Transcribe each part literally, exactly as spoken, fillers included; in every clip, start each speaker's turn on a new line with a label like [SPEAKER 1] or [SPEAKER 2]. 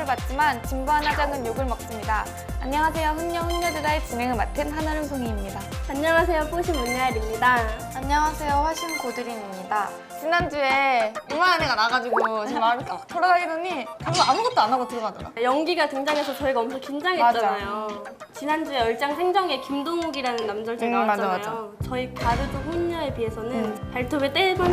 [SPEAKER 1] 받지만 진부한 화장은 욕을 먹습니다. 안녕하세요. 훈녀 훈녀들의 진행을 맡은 한아름송이입니다.
[SPEAKER 2] 안녕하세요. 뽀시 문야일입니다.
[SPEAKER 1] 안녕하세요. 화신 고드림입니다. 지난주에 이만한 애가 나가지고 지금 마음이 딱 돌아다니더니 결국 아무것도 안 하고 들어가더라.
[SPEAKER 2] 연기가 등장해서 저희가 엄청 긴장했잖아요. 지난주에 얼짱 생정에 김동욱이라는 남절제
[SPEAKER 1] 음,
[SPEAKER 2] 나왔잖아요.
[SPEAKER 1] 맞아, 맞아.
[SPEAKER 2] 저희 가르도 혼녀에 비해서는
[SPEAKER 1] 음.
[SPEAKER 2] 발톱에 떼만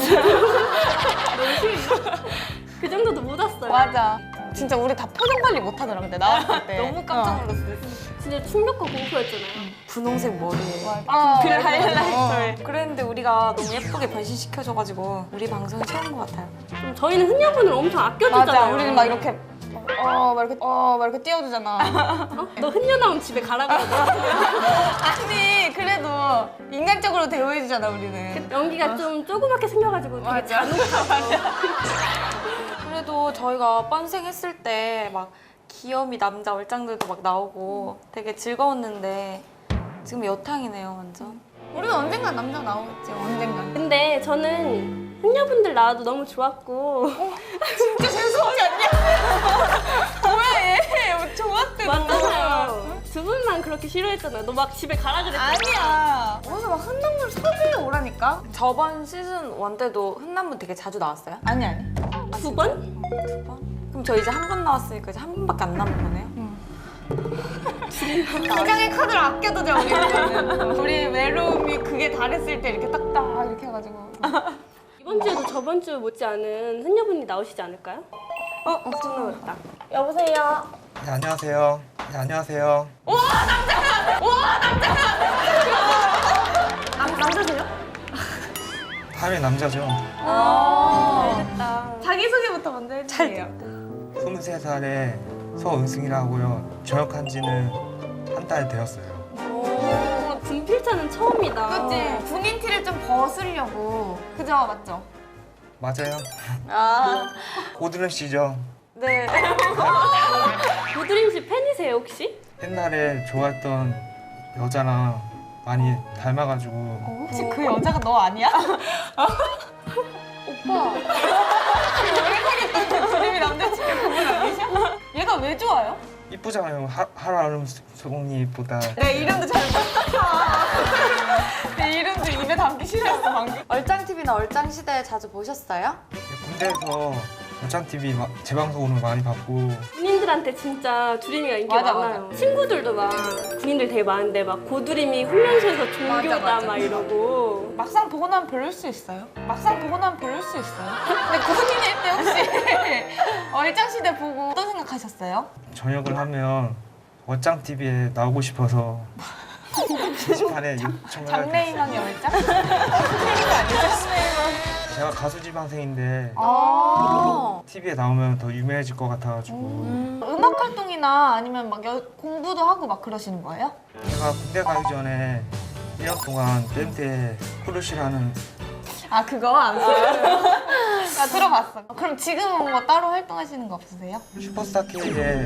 [SPEAKER 2] 너무 쉬워. 그 정도도 못 왔어요.
[SPEAKER 1] 맞아. 진짜 우리 다 표정 관리 못 하더라. 근데 나왔을 때
[SPEAKER 3] 너무 깜짝 놀랐어요.
[SPEAKER 2] 진짜 충격과 공포였잖아요.
[SPEAKER 3] 분홍색 머리에
[SPEAKER 1] 아,
[SPEAKER 3] 그
[SPEAKER 1] 맞아.
[SPEAKER 3] 하이라이터에 그랬는데 우리가 너무 예쁘게 변신시켜줘가지고 우리 방송이 최고인 것 같아요.
[SPEAKER 2] 좀 저희는 훈녀분을 엄청 아껴주잖아요.
[SPEAKER 1] 맞아. 우리는 막 이렇게 어, 막 이렇게 어, 막 이렇게 띄워주잖아.
[SPEAKER 2] 어? 너 훈녀 나오면 집에 가라 그러고.
[SPEAKER 1] 아니 그래도 인간적으로 대우해주잖아 우리는.
[SPEAKER 2] 연기가 좀 조그맣게 생겨가지고 되게
[SPEAKER 1] 맞아.
[SPEAKER 2] 잔혹하고.
[SPEAKER 3] 그래도 저희가 뻔생 했을 때 막 귀요미 남자 얼짱들도 막 나오고 되게 즐거웠는데 지금 여탕이네요 완전.
[SPEAKER 1] 우리는 언젠간 남자 나오겠지. 언젠간.
[SPEAKER 2] 근데 저는 훈녀분들 나와도 너무 좋았고
[SPEAKER 1] 진짜 재수없지 않냐? 왜? 좋았대. 너.
[SPEAKER 2] 맞잖아요. 두 분만 그렇게 싫어했잖아요. 너 막 집에 가라 그랬잖아.
[SPEAKER 1] 아니야. 어디서 막 한남물 섭외 오라니까?
[SPEAKER 3] 저번 시즌 일 때도 흔남분 되게 자주 나왔어요?
[SPEAKER 1] 아니 아니.
[SPEAKER 2] 두 번?
[SPEAKER 3] 두 번? 그럼 저 이제 한 번 나왔으니까 이제 한 번밖에 안 남은 거네요?
[SPEAKER 1] 기장의 카드를 아껴두자 우리는. 우리 외로움이 그게 달했을 때 이렇게 딱딱 이렇게 해가지고.
[SPEAKER 2] 이번 주에도 저번 주 못지않은 훈녀분이 나오시지 않을까요?
[SPEAKER 3] 어? 어? 나
[SPEAKER 2] 여보세요?
[SPEAKER 4] 네, 안녕하세요. 네, 안녕하세요.
[SPEAKER 2] 남, 남자세요?
[SPEAKER 4] 하면 남자죠.
[SPEAKER 2] 아, 알겠다.
[SPEAKER 1] 자기소개부터 먼저 해주세요.
[SPEAKER 4] 스물세 살에 서은승이라고요. 전역한 지는 한 달 되었어요.
[SPEAKER 2] 오, 분필차는 처음이다.
[SPEAKER 1] 그치? 군인 티를 좀 벗으려고. 그죠? 맞죠?
[SPEAKER 4] 맞아요.
[SPEAKER 3] 아,
[SPEAKER 4] 고드름 씨죠.
[SPEAKER 3] 네.
[SPEAKER 2] 고드림 씨 팬이세요, 혹시?
[SPEAKER 4] 옛날에 좋아했던 여자랑 많이 닮아가지고
[SPEAKER 1] 혹시 그 여자가 너 아니야? 오빠. 오래사귀었던 그림이 남자친구 그분 아니셔? 얘가 왜 좋아요?
[SPEAKER 4] 이쁘잖아요. 하, 하라름 송이보다.
[SPEAKER 1] 내 이름도 잘 못했어. 내 이름도 입에 담기 싫었어 방금.
[SPEAKER 3] 얼짱티비나 얼짱시대 자주 보셨어요?
[SPEAKER 4] 군대에서 어짱티비 재방송으로 많이 봤고
[SPEAKER 2] 군인들한테 진짜 두림이가 인기
[SPEAKER 1] 맞아,
[SPEAKER 2] 많아요. 친구들도 막 군인들 되게 많은데 막 고두림이 훈련소에서 종교다
[SPEAKER 1] 맞아, 맞아.
[SPEAKER 2] 막 이러고.
[SPEAKER 1] 막상 보고 나면 별로일 수 있어요. 막상 보고 나면 별로일 수 있어요. 근데 군인일 때 혹시 얼짱시대 보고 어떤 생각하셨어요?
[SPEAKER 4] 전역을 하면 어짱티비에 나오고 싶어서 게시판에 요청을
[SPEAKER 1] 장래희망이 얼짱?
[SPEAKER 4] 제가 가수 지망생인데
[SPEAKER 1] 아.
[SPEAKER 4] 티비에 나오면 더 유명해질 것 같아가지고
[SPEAKER 3] 음.
[SPEAKER 1] 음악 활동이나 아니면 막 여- 공부도 하고 막 그러시는 거예요?
[SPEAKER 4] 제가 군대 가기 전에 일 년 동안 밴드에 코르시라는
[SPEAKER 1] 아 그거 안 써요? 나 들어봤어. 그럼 지금은 뭐 따로 활동하시는 거 없으세요?
[SPEAKER 4] 슈퍼스타 K에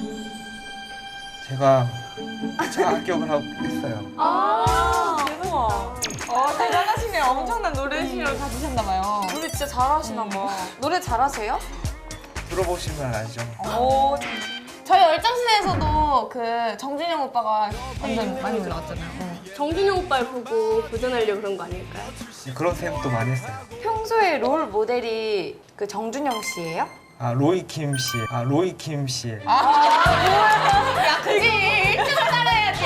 [SPEAKER 4] 제가 차 합격을 하고 했어요.
[SPEAKER 3] 아, 우와.
[SPEAKER 1] 어 대단하시네. 엄청난 노래 실력을 가지셨나 봐요.
[SPEAKER 3] 노래 진짜 잘하시나 봐. 노래 잘하세요?
[SPEAKER 4] 들어보시면 알죠.
[SPEAKER 3] 오,
[SPEAKER 1] 저희 얼짱시대에서도 그 정준영 오빠가 완전 많이 올라왔잖아요.
[SPEAKER 2] 정준영 오빠를 보고 도전하려고 그런 거 아닐까요?
[SPEAKER 4] 그런 생각도 많이 했어요.
[SPEAKER 3] 평소에 롤 모델이 그 정준영 씨예요?
[SPEAKER 4] 아 로이 킴 씨, 아 로이 킴 씨.
[SPEAKER 1] 야 그지 일 등을 따라야지.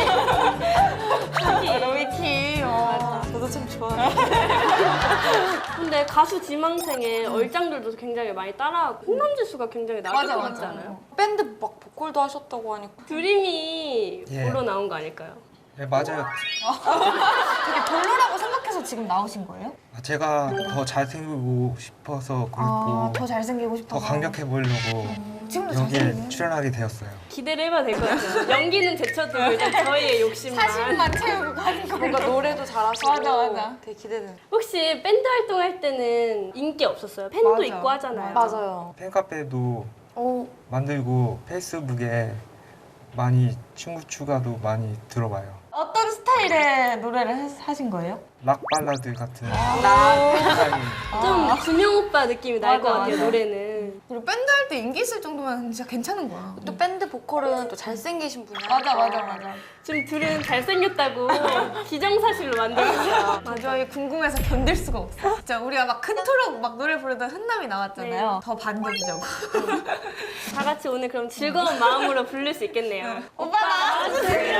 [SPEAKER 1] 로이키. 어.
[SPEAKER 3] 저도 참 좋아해요.
[SPEAKER 2] 근데 가수 지망생의 얼짱들도 굉장히 많이 따라하고 훈남지수가 굉장히 낮을
[SPEAKER 1] 맞아,
[SPEAKER 2] 것
[SPEAKER 1] 맞아.
[SPEAKER 2] 같지 않아요?
[SPEAKER 3] 밴드 막 보컬도 하셨다고 하니까.
[SPEAKER 2] 두림이
[SPEAKER 4] 예.
[SPEAKER 2] 보러 나온 거 아닐까요?
[SPEAKER 4] 네 맞아요.
[SPEAKER 1] 되게 별로라고 생각해서 지금 나오신 거예요?
[SPEAKER 4] 아, 제가 더 잘생기고 싶어서 그렇고
[SPEAKER 1] 더 잘생기고
[SPEAKER 4] 더
[SPEAKER 1] 싶어서.
[SPEAKER 4] 강력해 보이려고
[SPEAKER 1] 지금도
[SPEAKER 4] 여기에
[SPEAKER 1] 잘생기네.
[SPEAKER 4] 출연하게 되었어요.
[SPEAKER 2] 기대를 해봐도 될 것 같아요. 연기는 제쳐두고 일단 저희의 욕심만.
[SPEAKER 1] 사실만 채우고 가는 거.
[SPEAKER 3] 뭔가 노래도 잘하시고
[SPEAKER 1] 맞아, 맞아.
[SPEAKER 3] 되게 기대되는.
[SPEAKER 2] 혹시 밴드 활동할 때는 인기 없었어요? 팬도
[SPEAKER 1] 맞아.
[SPEAKER 2] 있고 하잖아요.
[SPEAKER 3] 맞아요.
[SPEAKER 4] 팬카페도
[SPEAKER 3] 오,
[SPEAKER 4] 만들고 페이스북에 많이 친구 추가도 많이 들어봐요.
[SPEAKER 1] 어떤 스타일의 노래를 하- 하신 거예요?
[SPEAKER 4] 락 발라드 같은
[SPEAKER 1] 나
[SPEAKER 4] 스타일.
[SPEAKER 2] 좀 준영 오빠 느낌이 날 것
[SPEAKER 1] 맞아,
[SPEAKER 2] 같아요,
[SPEAKER 1] 맞아.
[SPEAKER 2] 노래는.
[SPEAKER 1] 그리고 밴드 할 때 인기 있을 정도면 진짜 괜찮은 거야.
[SPEAKER 3] 또 밴드 보컬은 또 잘생기신 분이
[SPEAKER 1] 맞아
[SPEAKER 3] 하니까.
[SPEAKER 1] 맞아 맞아.
[SPEAKER 2] 지금 둘은 잘생겼다고 기정사실로 만들었어요.
[SPEAKER 1] 도저히 궁금해서 견딜 수가 없어. 진짜 우리가 막 큰 토록 막 노래 부르던 흔남이 나왔잖아요.
[SPEAKER 2] 네.
[SPEAKER 1] 더 반격이자고.
[SPEAKER 2] 다 같이 오늘 그럼 즐거운 마음으로 부를 수 있겠네요.
[SPEAKER 1] 오빠 나와주세요.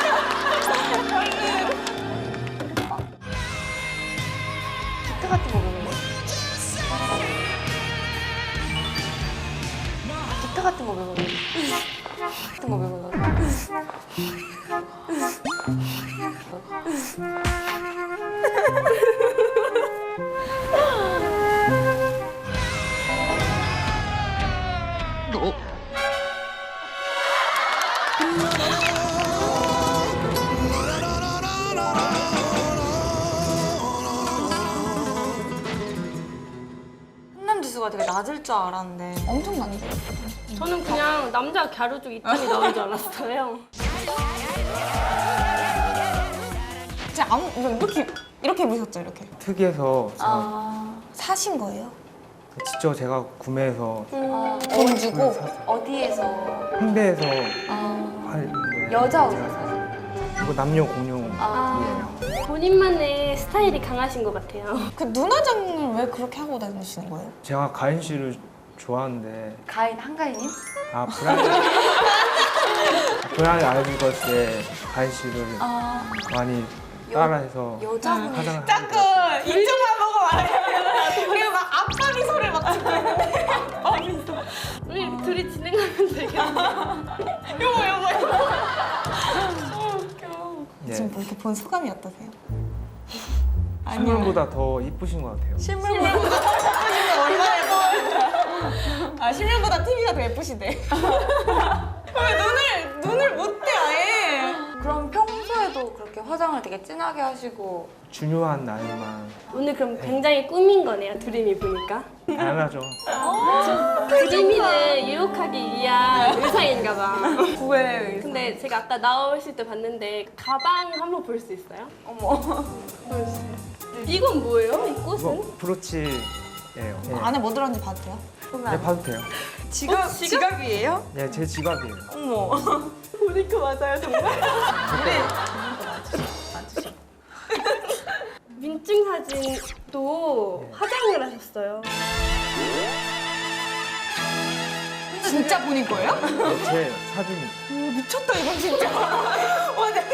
[SPEAKER 3] 기타 같은 거 배우는 거? 기타 같은 거 배우는 거? 같은 거 배우는 거? 훈남 지수가 되게 낮을 줄 알았는데
[SPEAKER 1] 엄청 많이.
[SPEAKER 2] 저는 그냥 남자 갸루족 이 탄이 나온 줄 알았어요.
[SPEAKER 1] 진짜 아무 이렇게 이렇게 입으셨죠 이렇게.
[SPEAKER 4] 특이해서 제가
[SPEAKER 3] 아...
[SPEAKER 1] 사신 거예요?
[SPEAKER 4] 직접 제가 구매해서
[SPEAKER 3] 아,
[SPEAKER 1] 돈 주고?
[SPEAKER 4] 샀어요.
[SPEAKER 3] 어디에서?
[SPEAKER 4] 홍대에서
[SPEAKER 3] 아...
[SPEAKER 4] 팔는데
[SPEAKER 3] 여자 의사세요?
[SPEAKER 4] 이거 남녀 공용이에요.
[SPEAKER 3] 아...
[SPEAKER 2] 본인만의 스타일이 강하신 것 같아요.
[SPEAKER 1] 그 눈화장을 왜 그렇게 하고 다니시는 거예요?
[SPEAKER 4] 제가 가인 씨를 좋아하는데
[SPEAKER 3] 가인 한가인님?
[SPEAKER 4] 아 브라이드 브라이드 아이비걸스의 가인 씨를
[SPEAKER 3] 아...
[SPEAKER 4] 많이 따라해서
[SPEAKER 3] 여자분이
[SPEAKER 4] 화장을
[SPEAKER 1] 자꾸
[SPEAKER 4] 하는 것
[SPEAKER 1] 이쪽만 보고 말해요. 그리고 막 아빠 미소를 막 짓고 있는데. 아빠 미소.
[SPEAKER 2] 우리 이렇게 둘이 진행하면 되겠네요.
[SPEAKER 1] 요거 요거 요거.
[SPEAKER 4] 네.
[SPEAKER 1] 지금 뭐 이렇게 본 소감이 어떠세요?
[SPEAKER 4] 실물보다 더 이쁘신 것 같아요.
[SPEAKER 3] 실물보다
[SPEAKER 1] 얼마나 예뻐요? 아 실물보다 티비가 더 예쁘시대. 왜 눈을 눈을 못 떼 아예?
[SPEAKER 3] 그럼 평소에도 그렇게 화장을 되게 진하게 하시고
[SPEAKER 4] 중요한 날만
[SPEAKER 2] 오늘 그럼 굉장히 꾸민 거네요, 드림이 보니까.
[SPEAKER 4] 당연하죠.
[SPEAKER 2] 드림이를 유혹하기 위한 의상인가 봐.
[SPEAKER 1] 왜?
[SPEAKER 2] 근데 제가 아까 나오실 때 봤는데 가방 한번 볼 수 있어요?
[SPEAKER 3] 어머
[SPEAKER 2] 이건 뭐예요? 이 꽃은?
[SPEAKER 4] 이거 브로치예요. 네.
[SPEAKER 1] 안에 뭐 들었는지 봐도 돼요?
[SPEAKER 4] 네, 봐도 돼요.
[SPEAKER 3] 지갑,
[SPEAKER 2] 어, 지갑?
[SPEAKER 3] 지갑이에요?
[SPEAKER 4] 네, 제 지갑이에요.
[SPEAKER 3] 어머
[SPEAKER 2] 보니까 맞아요, 정말. 민증 사진도 화장을 하셨어요.
[SPEAKER 1] 진짜 본인 거예요?
[SPEAKER 4] 네, 제 사진이.
[SPEAKER 1] 오, 미쳤다 이건 진짜. 와, 네.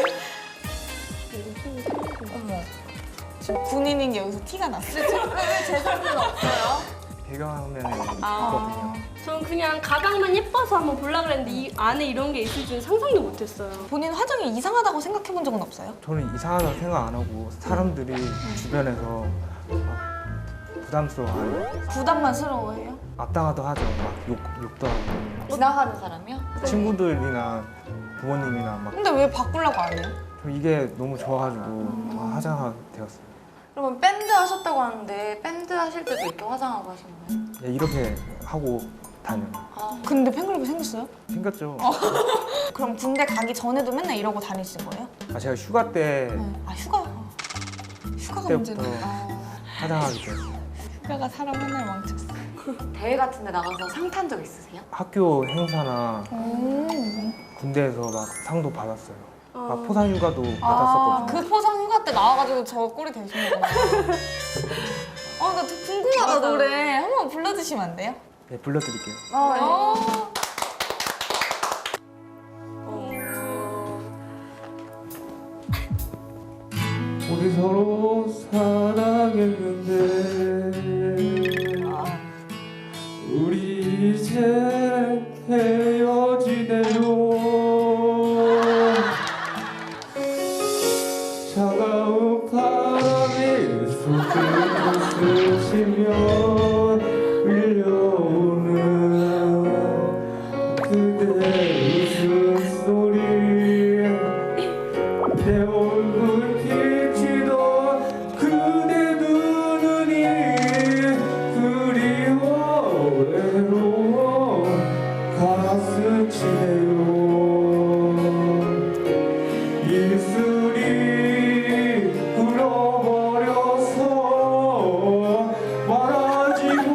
[SPEAKER 1] 어머. 지금 군인인 게 여기서 티가 났어.
[SPEAKER 3] 왜제 사진은 없어요?
[SPEAKER 4] 배경화면에
[SPEAKER 3] 아.
[SPEAKER 4] 있거든요.
[SPEAKER 2] 전 그냥 가방만 예뻐서 한번 보려고 그랬는데 이 안에 이런 게 있을 줄은 상상도 못했어요.
[SPEAKER 1] 본인 화장이 이상하다고 생각해 본 적은 없어요?
[SPEAKER 4] 저는 이상하다고 생각 안 하고 사람들이 주변에서 막 부담스러워하는
[SPEAKER 1] 부담만스러워해요?
[SPEAKER 4] 앞당하도 하죠. 막 욕, 욕도 하고
[SPEAKER 3] 지나가는 사람이요?
[SPEAKER 4] 친구들이나 부모님이나 막
[SPEAKER 1] 근데 왜 바꾸려고 안 해요?
[SPEAKER 4] 저 이게 너무 좋아가지고 화장하게 되었어요.
[SPEAKER 3] 그러면 밴드 하셨다고 하는데 밴드 하실 때도 이렇게 화장하고 하신 거예요?
[SPEAKER 4] 예, 이렇게 하고 다녀요.
[SPEAKER 3] 아,
[SPEAKER 1] 근데 팬클럽이 생겼어요?
[SPEAKER 4] 생겼죠.
[SPEAKER 1] 그럼 군대 가기 전에도 맨날 이러고 다니신 거예요?
[SPEAKER 4] 아, 제가 휴가 때
[SPEAKER 1] 아 휴가 휴가가
[SPEAKER 4] 때부터
[SPEAKER 1] 문제네.
[SPEAKER 4] 화장하게 되었어요.
[SPEAKER 1] 휴가가 사람 맨날 망쳤어.
[SPEAKER 3] 대회 같은 데 나가서 상 탄 적 있으세요?
[SPEAKER 4] 학교 행사나
[SPEAKER 1] 오.
[SPEAKER 4] 군대에서 막 상도 받았어요.
[SPEAKER 2] 어.
[SPEAKER 4] 막 포상 휴가도
[SPEAKER 1] 아,
[SPEAKER 4] 받았었거든요.
[SPEAKER 1] 그 포상 휴가 때 나와가지고 저 꼴이 되시는구나. 아, 나 되게 궁금하다,
[SPEAKER 2] 맞아.
[SPEAKER 1] 노래. 한번 불러주시면 안 돼요?
[SPEAKER 4] 네, 불러드릴게요.
[SPEAKER 1] 어.
[SPEAKER 4] 우리 서로 사랑했는데 우리 이제 헤어지네요. 차가운 바람이 손끝을 스치며 밀려오는 그대 웃음소리 내 얼굴 비치던 그대 두 눈이 그리워 외로워 가슴 치네요. 입술이 울어버려서 말하지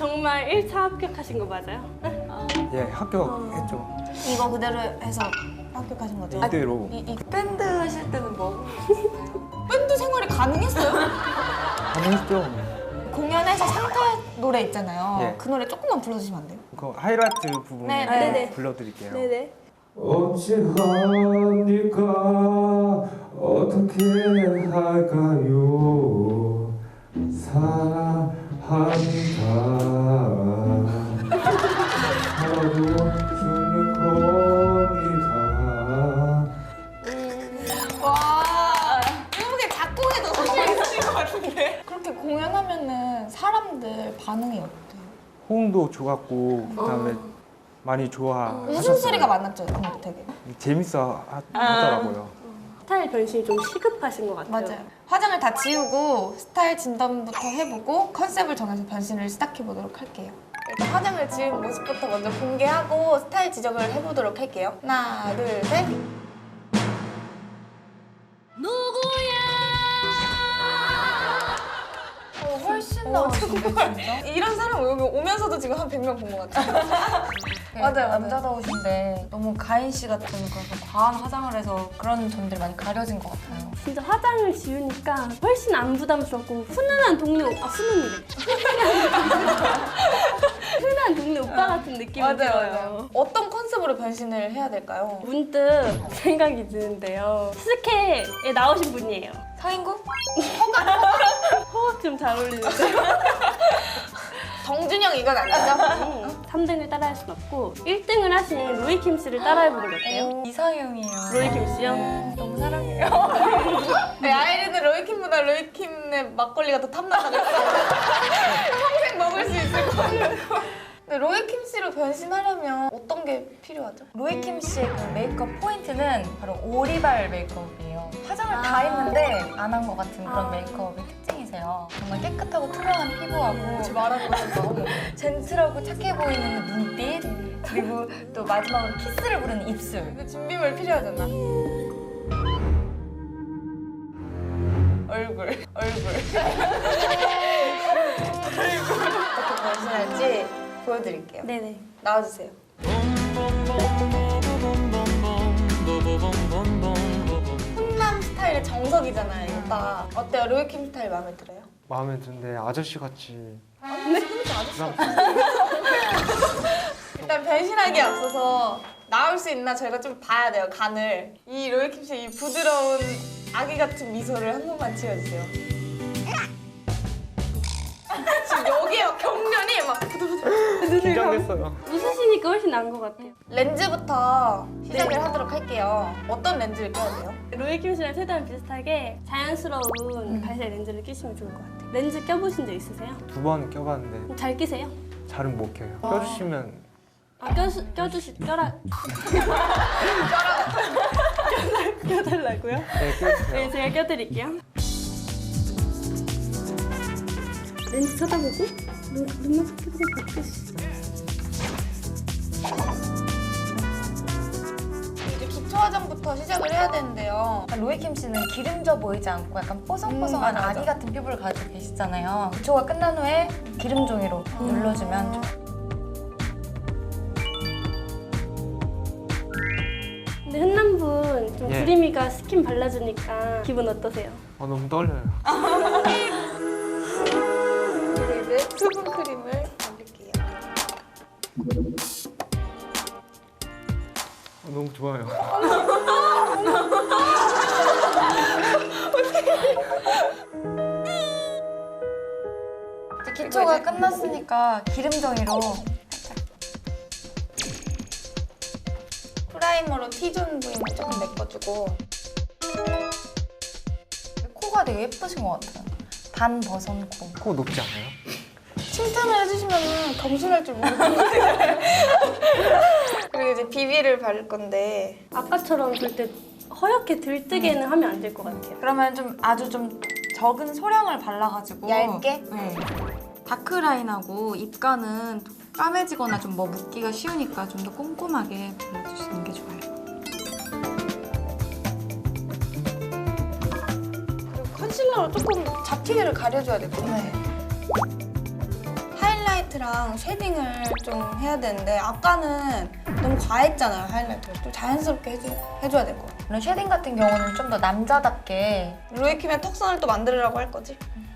[SPEAKER 2] 정말 일 차 합격하신 거 맞아요?
[SPEAKER 4] 예, 합격했죠.
[SPEAKER 1] 이거 그대로 해서 합격하신 거죠?
[SPEAKER 4] 이대로.
[SPEAKER 1] 이, 이
[SPEAKER 3] 밴드 하실 때는 뭐?
[SPEAKER 1] 밴드 생활이 가능했어요?
[SPEAKER 4] 가능했죠.
[SPEAKER 1] 공연에서 상타 노래 있잖아요.
[SPEAKER 4] 예.
[SPEAKER 1] 그 노래 조금만 불러주시면 안 돼요?
[SPEAKER 4] 그 하이라이트 부분
[SPEAKER 1] 네,
[SPEAKER 2] 네네.
[SPEAKER 4] 불러드릴게요.
[SPEAKER 2] 네네.
[SPEAKER 4] 어찌합니까 어떻게 할까요 사랑합니다 서로 죽는 겁니다.
[SPEAKER 1] 와, 한국에 작곡에도 소질 있으신 것 같은데? 그렇게 공연하면은 사람들 반응이 어때요?
[SPEAKER 4] 호응도 좋았고 그다음에 많이 좋아하셨어요.
[SPEAKER 1] 웃음소리가 많았죠, 그거 되게.
[SPEAKER 4] 재밌어 하, 하더라고요.
[SPEAKER 2] 스타일 변신이 좀 시급하신 것 같아요.
[SPEAKER 1] 맞아요. 화장을 다 지우고 스타일 진단부터 해보고 컨셉을 정해서 변신을 시작해보도록 할게요. 일단 화장을 지운 모습부터 먼저 공개하고 스타일 지적을 해보도록 할게요. 하나, 둘, 셋. 어, 훨씬 나으신데 진짜? 이런 사람 여기 오면서도 지금 한 백 명 본 것 같아요. 맞아요, 맞아요.
[SPEAKER 3] 남자다우신데 너무 가인 씨 같은 그런 과한 화장을 해서 그런 점들이 많이 가려진 것 같아요.
[SPEAKER 2] 진짜 화장을 지우니까 훨씬 안 부담스럽고 훈훈한 동료, 아 훈훈이래. 흔한 동네 오빠 같은 느낌이
[SPEAKER 1] 맞아요,
[SPEAKER 2] 들어요.
[SPEAKER 1] 맞아요. 어떤 컨셉으로 변신을 해야 될까요?
[SPEAKER 2] 문득 생각이 드는데요. 스케에 나오신 분이에요.
[SPEAKER 1] 서인구?
[SPEAKER 2] 호흡 좀 잘 어울리는데.
[SPEAKER 1] 정준영 이건 아니죠?
[SPEAKER 2] 삼 등을 따라할 순 없고 일 등을 하신 로이킴 씨를 따라해보는 게 어때요?
[SPEAKER 3] 이상형이에요.
[SPEAKER 2] 로이킴 씨요?
[SPEAKER 3] 너무 사랑해요.
[SPEAKER 1] 네, 아이린은 로이킴보다 로이킴의 막걸리가 더 탐나가겠어요. 평생 먹을 수 있을 것 같아요. 근데 로이킴 씨로 변신하려면 어떤 게 필요하죠?
[SPEAKER 3] 로이킴 씨의 그 메이크업 포인트는 바로 오리발 메이크업이에요. 화장을 다 했는데 안 한 것 같은 그런
[SPEAKER 2] 아.
[SPEAKER 3] 메이크업이 특징이세요. 정말 깨끗하고 투명한 피부하고
[SPEAKER 1] 지금 말하고 있었어.
[SPEAKER 3] 젠틀하고 착해 보이는 눈빛 그리고 또 마지막으로 키스를 부르는 입술.
[SPEAKER 1] 근데 준비물 필요하잖아. 얼굴, 얼굴. 어떻게 변신할지 보여드릴게요.
[SPEAKER 2] 네네.
[SPEAKER 1] 나와주세요. 훈남 스타일의 정석이잖아요, 이거 딱. 어때요? 로이킴 스타일 마음에 들어요?
[SPEAKER 4] 마음에 드는데 아저씨 같이
[SPEAKER 1] 일단 변신하기에 앞서서 나올 수 있나 저희가 좀 봐야 돼요, 간을. 이 로이킴 씨의 이 부드러운 아기 같은 미소를 한 번만 지어주세요. 지금 여기에 막 경련이 막
[SPEAKER 4] 긴장됐어요.
[SPEAKER 2] 웃으시니까 훨씬 나은 것 같아요.
[SPEAKER 1] 렌즈부터 시작을 하도록 할게요. 어떤 렌즈를 껴야 돼요?
[SPEAKER 2] 로이킴 씨랑 최대한 비슷하게 자연스러운 발색 렌즈를 끼시면 좋을 것 같아요. 렌즈 껴보신 적 있으세요?
[SPEAKER 4] 두 번 껴봤는데
[SPEAKER 2] 잘 끼세요?
[SPEAKER 4] 잘은 못 껴요. 껴주시면
[SPEAKER 2] 아, 껴주, 껴주시, 껴라. 껴라. 껴달라고요?
[SPEAKER 4] 네, 껴주세요.
[SPEAKER 2] 네, 제가 껴드릴게요. 렌즈 쳐다보고 눈, 눈만 sak 켜보고 바꾸시죠.
[SPEAKER 1] 이제 기초 화장부터 시작을 해야 되는데요.
[SPEAKER 3] 로이킴 씨는 기름져 보이지 않고 약간 뽀송뽀송한
[SPEAKER 1] 음, 맞아, 맞아.
[SPEAKER 3] 아기 같은 피부를 가지고 계시잖아요. 기초가 끝난 후에 기름 종이로 눌러주면 좋아요.
[SPEAKER 2] 근데 흔남분 좀
[SPEAKER 4] 예.
[SPEAKER 2] 두리미가 스킨 발라주니까 기분 어떠세요?
[SPEAKER 4] 어, 너무 떨려요.
[SPEAKER 1] 그리고 이제 수분 크림을 바를게요.
[SPEAKER 4] 어, 너무 좋아요.
[SPEAKER 3] 이제 기초가 끝났으니까 기름 종이로
[SPEAKER 1] 프라이머로 T존 부위만 조금 메꿔주고.
[SPEAKER 3] 코가 되게 예쁘신 것 같아요. 반 버선 코.
[SPEAKER 4] 코 높지 않아요?
[SPEAKER 1] 칭찬을 해주시면 겸손할 줄 모르겠는데. 그리고 이제 비비를 바를 건데.
[SPEAKER 2] 아까처럼 절대 허옇게 들뜨게는 하면 안 될 것 같아요.
[SPEAKER 3] 그러면 좀 아주 좀 적은 소량을 발라가지고
[SPEAKER 1] 얇게?
[SPEAKER 3] 네. 다크라인하고 입가는 까매지거나 좀 뭐 묻기가 쉬우니까 좀 더 꼼꼼하게 발라주시는 게 좋아요.
[SPEAKER 1] 그리고 컨실러로 조금 잡티를 가려줘야 될 것 같아요. 하이라이트 하이라이트랑 쉐딩을 좀 해야 되는데 아까는 너무 과했잖아요, 하이라이트를. 좀 자연스럽게 해줘, 해줘야 될 것 같아요.
[SPEAKER 3] 오늘 쉐딩 같은 경우는 좀 더 남자답게
[SPEAKER 1] 로이킴의 턱선을 또 만들으라고 할 거지?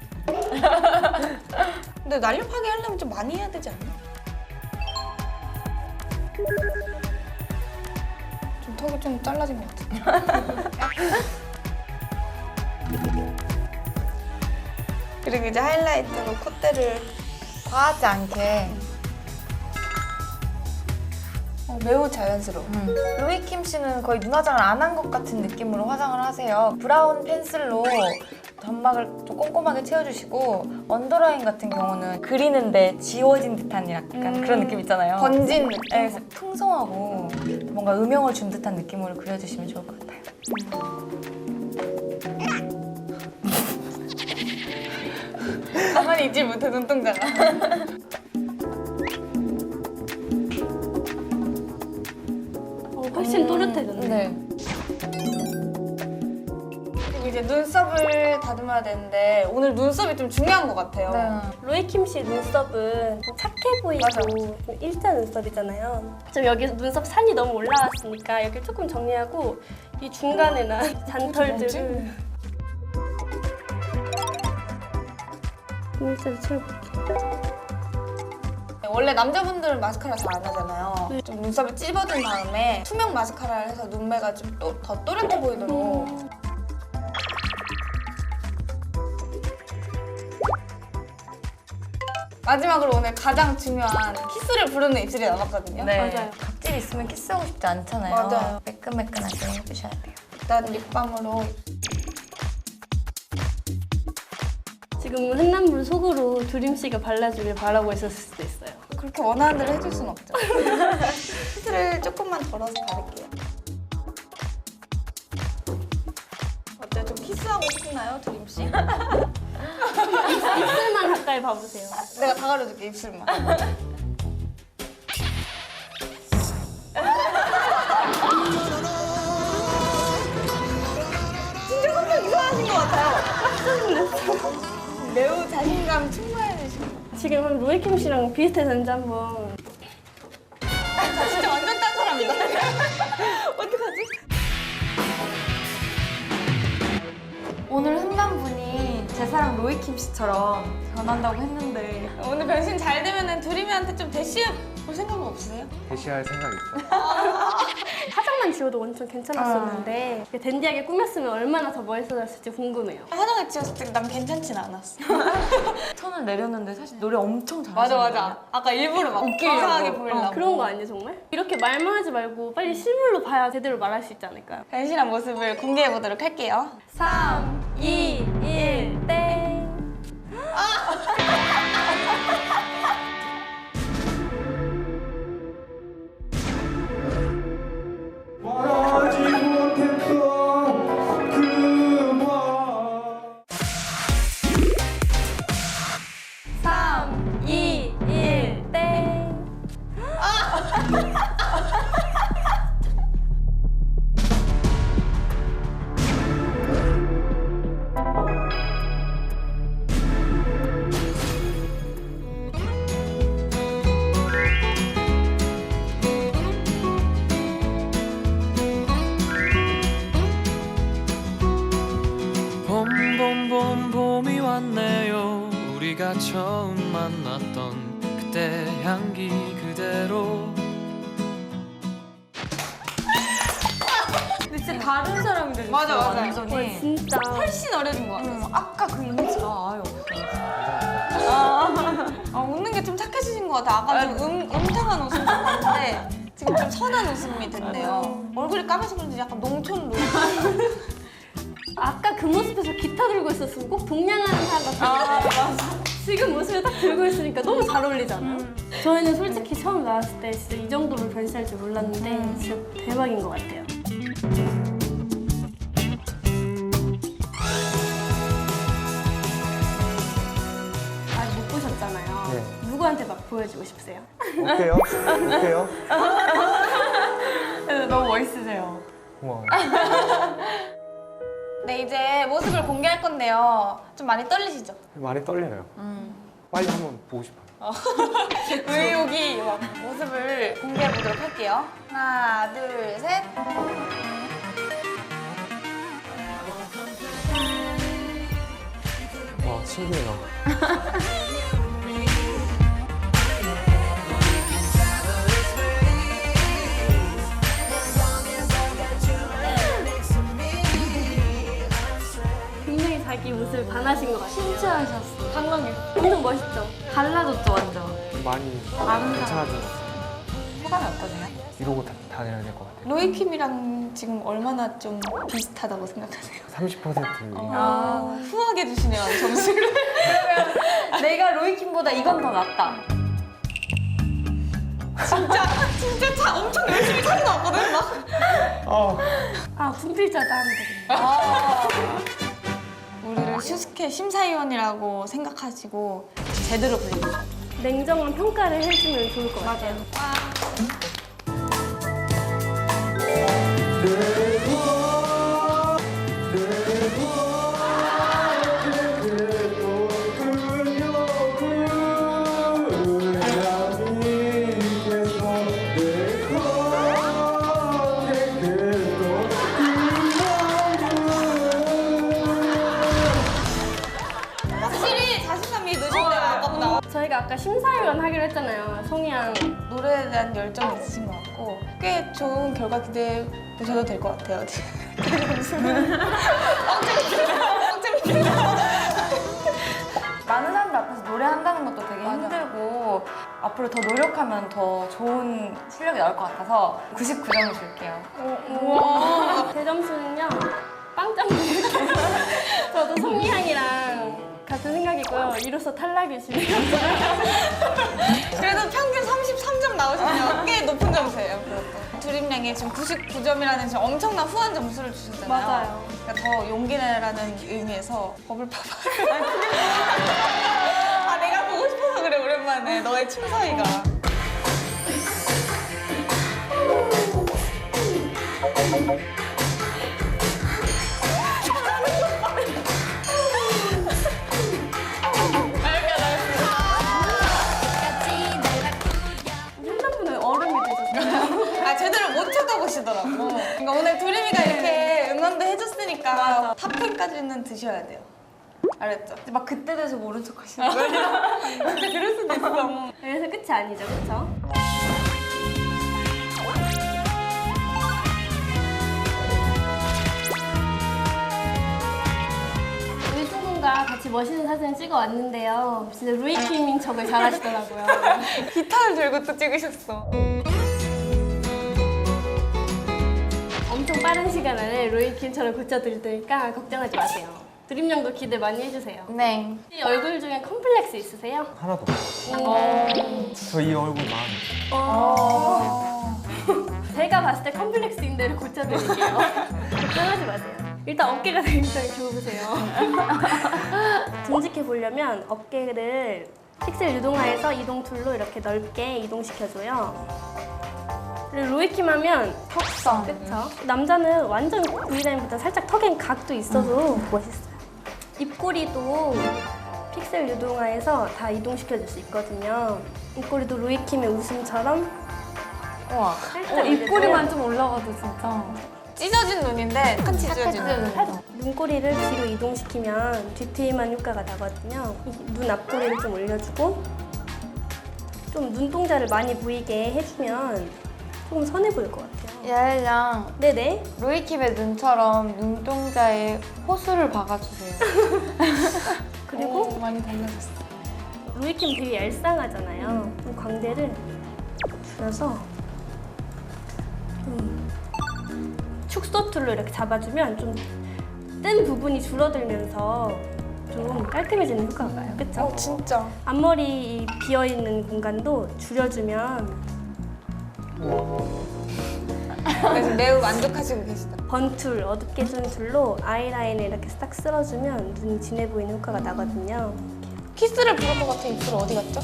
[SPEAKER 1] 근데 날렵하게 하려면 좀 많이 해야 되지 않나? 좀 턱이 좀 잘라진 것 같아. 그리고 이제 하이라이트로 콧대를
[SPEAKER 3] 과하지 않게.
[SPEAKER 1] 어, 매우 자연스러워.
[SPEAKER 3] 음. 로이킴 씨는 거의 눈 화장을 안 한 것 같은 느낌으로 화장을 하세요. 브라운 펜슬로 점막을 좀 꼼꼼하게 채워주시고 언더라인 같은 경우는 그리는데 지워진 듯한 약간
[SPEAKER 1] 음,
[SPEAKER 3] 그런 느낌 있잖아요.
[SPEAKER 1] 번진 느낌.
[SPEAKER 3] 네, 그래서 풍성하고 뭔가 음영을 준 듯한 느낌으로 그려주시면 좋을 것 같아요.
[SPEAKER 1] 가만히 있질 못해, 눈동자가.
[SPEAKER 2] 어, 훨씬 또렷해졌네.
[SPEAKER 3] 네.
[SPEAKER 1] 그리고 이제 눈썹을 다듬어야 되는데 오늘 눈썹이 좀 중요한 것 같아요.
[SPEAKER 3] 네.
[SPEAKER 2] 로이킴 씨 눈썹은 좀 착해 보이고
[SPEAKER 1] 맞아.
[SPEAKER 2] 좀 일자 눈썹이잖아요. 좀 여기 눈썹 산이 너무 올라왔으니까 여기 조금 정리하고 이 중간에나 잔털들을 눈썹을 채워볼게요.
[SPEAKER 1] 원래 남자분들은 마스카라 잘 안 하잖아요. 좀 눈썹을 찝어준 다음에 투명 마스카라를 해서 눈매가 좀 더 또렷해 보이도록. 마지막으로 오늘 가장 중요한 키스를 부르는 입술이 남았거든요.
[SPEAKER 3] 네.
[SPEAKER 2] 맞아요.
[SPEAKER 3] 각질 있으면 키스하고 싶지 않잖아요.
[SPEAKER 1] 맞아요.
[SPEAKER 3] 매끈매끈하게 해주셔야 돼요.
[SPEAKER 1] 일단 립밤으로.
[SPEAKER 2] 지금 횡단물 속으로 두림 씨가 발라주길 바라고 있었을 수도 있어요.
[SPEAKER 1] 그렇게 원하는 대로 해줄 순 없죠. 키스를 조금만 덜어서 바를게요. 어때요? 좀 키스하고 싶나요, 드림씨?
[SPEAKER 2] 입술만 가까이 봐보세요.
[SPEAKER 1] 내가 다 가려줄게, 입술만. 진짜 성격 이상하신 것 같아요. 매우 자신감 충만해지시고.
[SPEAKER 2] 지금 한번 로이킴 씨랑 비슷해졌는지 한번.
[SPEAKER 1] 저 진짜 완전 딴 사람이다. 어떡하지?
[SPEAKER 3] 오늘 흔한 분이 제 사랑 로이킴 씨처럼 변한다고 했는데
[SPEAKER 1] 오늘 변신 잘 되면은 두림이한테 좀 대시해 볼 생각은 없으세요?
[SPEAKER 4] 대시할 생각 있죠?
[SPEAKER 2] 화장만 지워도 완전 괜찮았었는데
[SPEAKER 1] 아.
[SPEAKER 2] 댄디하게 꾸몄으면 얼마나 더 멋있어졌을지 궁금해요.
[SPEAKER 1] 화장을 지웠을 때 난 괜찮진 않았어.
[SPEAKER 3] 천을 내렸는데 사실 노래 엄청 잘하시는
[SPEAKER 1] 맞아 맞아. 아까 일부러 막
[SPEAKER 3] 웃기려고.
[SPEAKER 1] 이상하게 보이려고.
[SPEAKER 2] 어, 그런 거 아니에요 정말? 이렇게 말만 하지 말고 빨리 실물로 봐야 제대로 말할 수 있지 않을까요?
[SPEAKER 1] 변신한 모습을 공개해 보도록 할게요.
[SPEAKER 2] 삼, 이, 일, 땡.
[SPEAKER 4] 말하지 못했던 그 말.
[SPEAKER 2] 삼, 이, 일, 땡.
[SPEAKER 5] 봄봄봄 봄이 왔네요. 우리가 처음 만났던 그때 향기 그대로.
[SPEAKER 3] 근데 진짜 다른 사람이 되셨어요.
[SPEAKER 1] 맞아, 맞아.
[SPEAKER 3] 완전히.
[SPEAKER 2] 진짜.
[SPEAKER 1] 훨씬 어려진 것 같아.
[SPEAKER 3] 음, 아까 그 이미지가 아예 없어요.
[SPEAKER 1] 아, 웃는 게 좀 착해지신 것 같아. 아까 좀 음, 음탕한 웃음이 있는데 지금 좀 선한 웃음이 됐네요. 얼굴이 까매서 그런지 약간 농촌 룩.
[SPEAKER 2] 아까 그 모습에서 기타 들고 있었으면 꼭 동냥하는 사람 같았는데 지금 모습을 딱 들고 있으니까 너무 잘 어울리잖아요. 저희는 솔직히 처음 나왔을 때 진짜 이 정도로 변신할 줄 몰랐는데 진짜 대박인 것 같아요. 아직 못 보셨잖아요.
[SPEAKER 4] 네.
[SPEAKER 2] 누구한테 막 보여주고 싶으세요?
[SPEAKER 4] 어때요? 어때요?
[SPEAKER 3] 너무 멋있으세요.
[SPEAKER 4] 고마워요.
[SPEAKER 1] 네, 이제 모습을 공개할 건데요. 좀 많이 떨리시죠?
[SPEAKER 4] 많이 떨려요.
[SPEAKER 3] 음.
[SPEAKER 4] 빨리 한번 보고 싶어요.
[SPEAKER 1] 의욕이 막 모습을 공개해 보도록 할게요. 하나, 둘, 셋.
[SPEAKER 4] 와 신기해요.
[SPEAKER 2] 굉장히 자기 모습을 반하신 것 같아요.
[SPEAKER 3] 신체하셨어.
[SPEAKER 2] 강남이 엄청 멋있죠?
[SPEAKER 3] 달라졌죠 완전.
[SPEAKER 4] 많이
[SPEAKER 3] 많은
[SPEAKER 4] 괜찮아졌어요.
[SPEAKER 3] 소감이 어떠세요?
[SPEAKER 4] 이러고 다, 다녀야 될 것 같아요.
[SPEAKER 1] 로이킴이랑 지금 얼마나 좀 비슷하다고 생각하세요?
[SPEAKER 4] 삼십 퍼센트.
[SPEAKER 1] 아, 후하게 주시네요, 점수를.
[SPEAKER 3] 내가 로이킴보다 이건 더 낫다.
[SPEAKER 1] 진짜, 진짜 차 엄청 열심히 타고 나왔거든, 막.
[SPEAKER 4] 어.
[SPEAKER 2] 아, 분필자다 하면 되겠네.
[SPEAKER 1] 우리를 슈스케 심사위원이라고 생각하시고 제대로 불러주세요.
[SPEAKER 2] 냉정한 평가를 해주면 좋을 것 같아요.
[SPEAKER 1] 확실히 자신감이 늦은데 아깝다.
[SPEAKER 2] 저희가 아까 심사위원 하기로 했잖아요. 송이양.
[SPEAKER 1] 노래에 대한 열정이 있으신 것 같고 꽤 좋은 결과 기대해 보셔도 될 것 같아요.
[SPEAKER 3] 많은 사람들 앞에서 노래한다는 것도 되게 힘들고 앞으로 더 노력하면 더 좋은 실력이 나올 것 같아서 구십구 점을 줄게요.
[SPEAKER 2] 우와. 제 점수는요. 빵점 드릴게요. 저도 송이양이랑 같은 생각이고요. 이로써 탈락이시네요.
[SPEAKER 1] 그래도 평균 삼십삼 점 나오시면 꽤 높은 점수예요. 그것도. 드림량이 지금 구십구 점이라는 지금 엄청난 후한 점수를 주셨잖아요.
[SPEAKER 2] 맞아요.
[SPEAKER 1] 그러니까 더 용기 내라는 의미에서 버블 파파. 아 내가 보고 싶어서 그래 오랜만에 너의 춤사위가.
[SPEAKER 2] 횡단분은 얼음이 되셨어요.
[SPEAKER 1] 아 제대로 못 쳐다보시더라고. 그러니까 오늘 두림이가 이렇게 응원도 해줬으니까 탑텐까지는 드셔야 돼요. 알았죠?
[SPEAKER 3] 막 그때 돼서 모른 척 하시는 거예요?
[SPEAKER 1] 근데 그럴 수도 있어.
[SPEAKER 2] 그래서 끝이 아니죠, 그렇죠? 우리 두 분과 같이 멋있는 사진을 찍어 왔는데요. 진짜 루이킴인 척을 잘하시더라고요.
[SPEAKER 1] 기타를 들고 또 찍으셨어.
[SPEAKER 2] 엄청 빠른 시간 안에 루이킴처럼 고쳐드릴 테니까 걱정하지 마세요. 드림양도 기대 많이 해주세요.
[SPEAKER 3] 네.
[SPEAKER 2] 이 얼굴 중에 컴플렉스 있으세요?
[SPEAKER 4] 하나도 없어요. 저 이 얼굴 마음에.
[SPEAKER 2] 제가 봤을 때 컴플렉스인 대로 고쳐드릴게요. 걱정하지 마세요. 일단 어깨가 굉장히 좋으세요. 듬직해 보려면 어깨를 픽셀 유동화해서 이동 툴로 이렇게 넓게 이동시켜줘요. 그리고 로이킴 하면
[SPEAKER 3] 턱선.
[SPEAKER 2] 그쵸? 남자는 완전 V라인보다 살짝 턱엔 각도 있어서 멋있어요. 입꼬리도 픽셀 유동화해서 다 이동시켜줄 수 있거든요. 입꼬리도 로이킴의 웃음처럼
[SPEAKER 3] 우와.
[SPEAKER 2] 살짝
[SPEAKER 3] 어, 입꼬리만 좀 올라가도 진짜.
[SPEAKER 1] 찢어진 눈인데 같이 찢어진 눈.
[SPEAKER 2] 살짝 눈꼬리를 뒤로 이동시키면 뒤트임한 효과가 나거든요. 이 눈 앞꼬리를 좀 올려주고 좀 눈동자를 많이 보이게 해주면 조금 선해 보일 것 같아요.
[SPEAKER 3] 야엘양
[SPEAKER 2] 네네.
[SPEAKER 3] 로이킴의 눈처럼 눈동자에 호수를 박아주세요.
[SPEAKER 2] 그리고
[SPEAKER 1] 오, 많이 달라졌어.
[SPEAKER 2] 로이킴 되게 얄쌍하잖아요. 좀 광대를 줄여서 좀 축소 툴로 이렇게 잡아주면 좀 뜬 부분이 줄어들면서 좀 깔끔해지는 효과가 나요. 그쵸?
[SPEAKER 1] 어 진짜.
[SPEAKER 2] 앞머리 이 비어있는 공간도 줄여주면
[SPEAKER 1] 그래서 매우 만족하시고 계시다.
[SPEAKER 2] 번툴, 어둡게 해주는 툴로 아이라인을 이렇게 딱 쓸어주면 눈이 진해 보이는 효과가 나거든요.
[SPEAKER 1] 키스를 부를 것 같은 입술 어디 갔죠?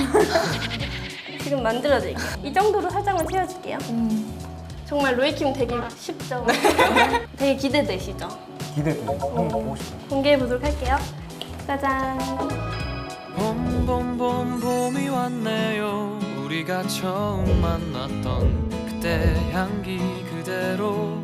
[SPEAKER 2] 지금 만들어드릴게요. 이 정도로 살짝만 채워줄게요. 정말 로이킴 되게 쉽죠? 되게 기대되시죠?
[SPEAKER 4] 기대돼요. 한번 보고 싶어요.
[SPEAKER 2] 공개해보도록 할게요. 짜잔.
[SPEAKER 5] 봄 봄 봄 봄이 왔네요. 우리가 처음 만났던 그때 향기 그대로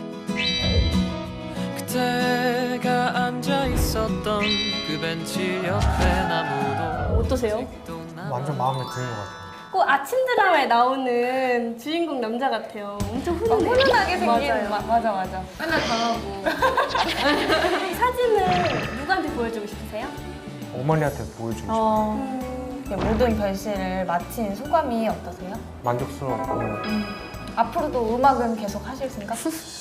[SPEAKER 5] 그때가 앉아 있었던 그 벤치 옆에 나무도
[SPEAKER 2] 어떠세요?
[SPEAKER 5] 아직도 남아.
[SPEAKER 4] 완전 마음에 드는 것 같아요.
[SPEAKER 2] 꼭 아침 드라마에 나오는 주인공 남자 같아요. 엄청
[SPEAKER 3] 어,
[SPEAKER 2] 훈훈해요.
[SPEAKER 3] 훈훈하게 생긴
[SPEAKER 2] 맞아요.
[SPEAKER 3] 마- 맞아 맞아.
[SPEAKER 1] 맨날 당하고.
[SPEAKER 2] 이 사진을 누구한테 보여주고 싶으세요?
[SPEAKER 4] 어머니한테 보여주고 싶어요.
[SPEAKER 3] 어, 네, 모든 변신을 마친 소감이 어떠세요?
[SPEAKER 4] 만족스럽고
[SPEAKER 3] 앞으로도 음악은 계속 하실 생각?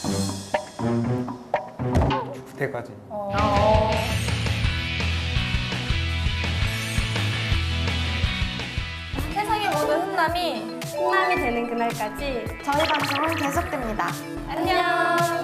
[SPEAKER 4] 그때까지.
[SPEAKER 3] 어. 세상의 모든 훈남이
[SPEAKER 2] 훈남이 되는 그날까지
[SPEAKER 1] 저희 방송은 계속됩니다.
[SPEAKER 2] 안녕.